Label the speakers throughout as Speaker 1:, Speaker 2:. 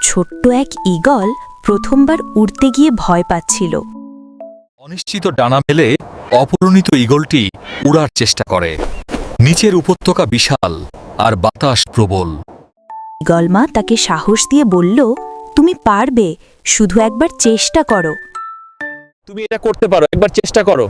Speaker 1: ছোট্ট এক ঈগল প্রথমবার উড়তে গিয়ে ভয় পাচ্ছিল।
Speaker 2: অনিশ্চিত ডানা মেলে অপরিণত ঈগলটি উড়ার চেষ্টা করে। নিচের উপত্যকা বিশাল আর বাতাস প্রবল।
Speaker 1: ঈগল মা তাকে সাহস দিয়ে বলল, তুমি পারবে, শুধু একবার চেষ্টা করো।
Speaker 3: তুমি এটা করতে পারো, একবার চেষ্টা করো।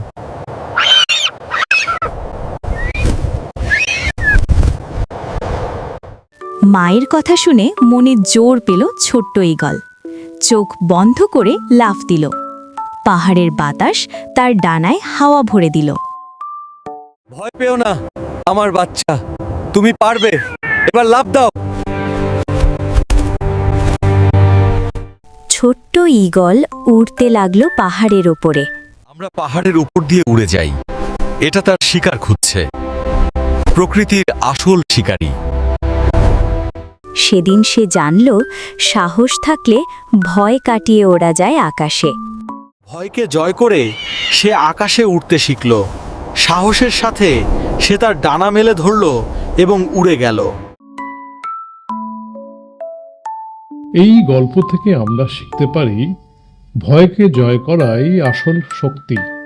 Speaker 1: মায়ের কথা শুনে মনে জোর পেল ছোট্ট ঈগল। চোখ বন্ধ করে লাফ দিল। পাহাড়ের বাতাস তার ডানায় হাওয়া ভরে দিল।
Speaker 3: ভয় পেও না আমার বাচ্চা, তুমি পারবে, এবার লাফ দাও।
Speaker 1: ছোট্ট ঈগল উড়তে লাগলো পাহাড়ের ওপরে।
Speaker 2: আমরা পাহাড়ের উপর দিয়ে উড়ে যাই। এটা তার শিকার খুঁজছে, প্রকৃতির আসল শিকারী।
Speaker 1: সেদিন সে জানল, সাহস থাকলে ভয় কাটিয়ে ওড়া যায় আকাশে।
Speaker 3: ভয়কে জয় করে সে আকাশে উঠতে শিখল। সাহসের সাথে সে তার ডানা মেলে ধরল এবং উড়ে গেল।
Speaker 4: এই গল্প থেকে আমরা শিখতে পারি, ভয়কে জয় করাই আসল শক্তি।